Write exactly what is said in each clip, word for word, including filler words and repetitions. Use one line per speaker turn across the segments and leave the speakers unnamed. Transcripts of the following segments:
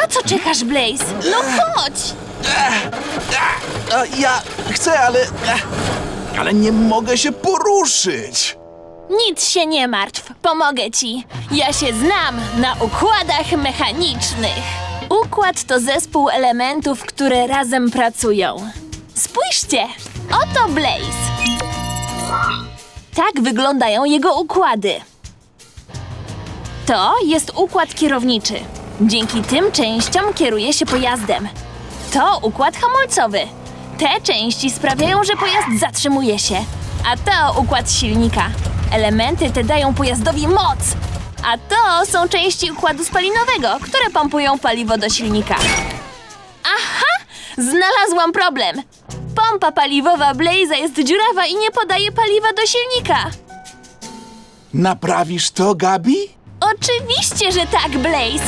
Na co czekasz, Blaze? No chodź!
A ja chcę, ale... Ale nie mogę się poruszyć.
Nic się nie martw, pomogę ci. Ja się znam na układach mechanicznych. Układ to zespół elementów, które razem pracują. Spójrzcie, oto Blaze. Tak wyglądają jego układy. To jest układ kierowniczy. Dzięki tym częściom kieruje się pojazdem. To układ hamulcowy. Te części sprawiają, że pojazd zatrzymuje się. A to układ silnika. Elementy te dają pojazdowi moc. A to są części układu spalinowego, które pompują paliwo do silnika. Aha! Znalazłam problem. Pompa paliwowa Blaze'a jest dziurawa i nie podaje paliwa do silnika.
Naprawisz to, Gabi?
Oczywiście, że tak, Blaze.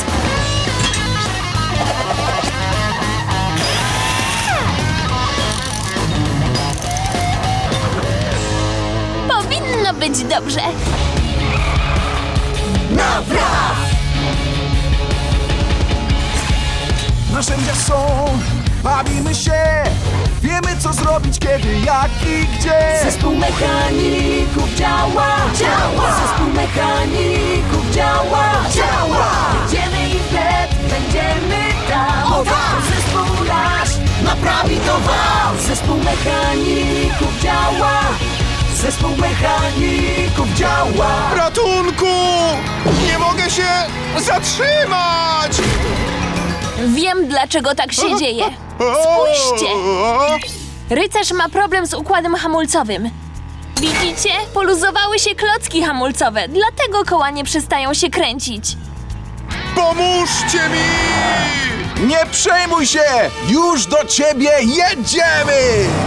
Powinno być dobrze.
Napraw! Narzędzia są, bawimy się, wiemy co zrobić, kiedy, jak i gdzie.
Zespół mechaników działa, działa. Zespół mechaników działa, działa. Jedziemy i wnet będziemy tam.
O tak!
Zespół nasz naprawi to wam. Zespół mechaników działa. Zespół mechaników działa.
Ratunku! Nie mogę się zatrzymać!
Wiem, dlaczego tak się dzieje. Spójrzcie! Rycerz ma problem z układem hamulcowym. Widzicie? Poluzowały się klocki hamulcowe, dlatego koła nie przestają się kręcić.
Pomóżcie mi! Nie przejmuj się! Już do ciebie jedziemy!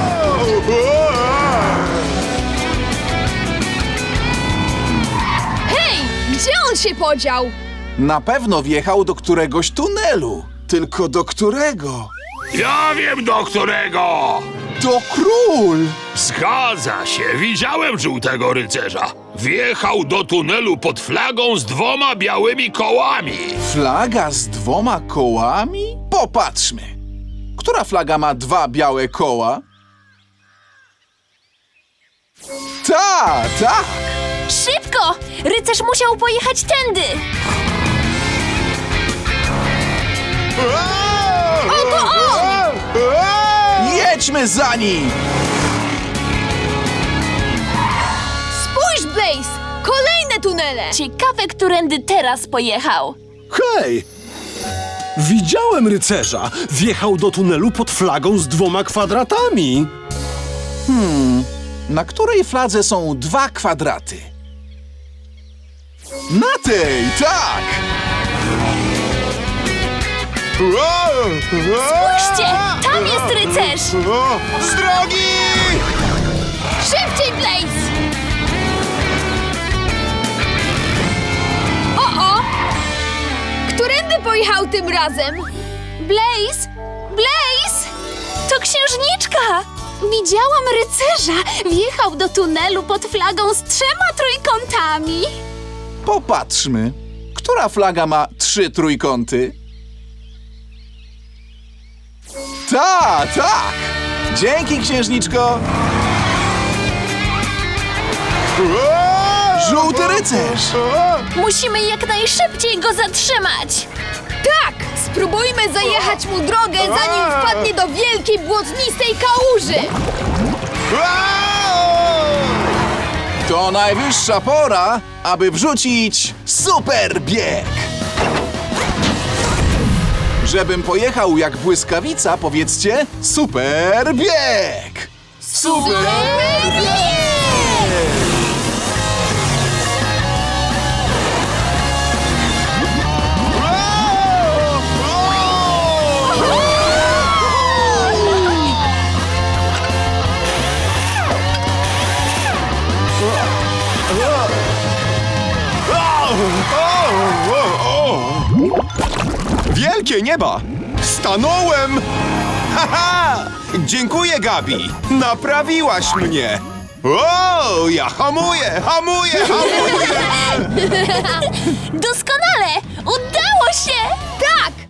Hej! Gdzie on się podział?
Na pewno wjechał do któregoś tunelu. Tylko do którego?
Ja wiem do którego!
To król!
Zgadza się, widziałem żółtego rycerza. Wjechał do tunelu pod flagą z dwoma białymi kołami.
Flaga z dwoma kołami? Popatrzmy. Która flaga ma dwa białe koła? Ta, tak!
Szybko! Rycerz musiał pojechać tędy!
Oto on! Jedźmy za nim!
Spójrz, Blaze! Kolejne tunele!
Ciekawe, którędy teraz pojechał.
Hej! Widziałem rycerza. Wjechał do tunelu pod flagą z dwoma kwadratami.
Na której fladze są dwa kwadraty? Na tej, tak!
Spójrzcie! Tam jest rycerz!
Z drogi!
Szybciej, Blaze! O-o! Którędy pojechał tym razem?
Blaze! Blaze! To księżniczka! Widziałam rycerza! Wjechał do tunelu pod flagą z trzema trójkątami.
Popatrzmy. Która flaga ma trzy trójkąty? Ta, tak! Dzięki, księżniczko! Żółty rycerz!
Musimy jak najszybciej go zatrzymać!
Tak! Spróbujmy zajechać mu drogę, zanim wpadnie do wielkiej, błotnistej kałuży!
To najwyższa pora, aby wrzucić super bieg! Żebym pojechał jak błyskawica, powiedzcie super bieg! Super bieg!
Wielkie nieba! Stanąłem! Haha! Dziękuję, Gabi! Naprawiłaś mnie! O, ja hamuję, hamuję, hamuję!
Doskonale! Udało się!
Tak!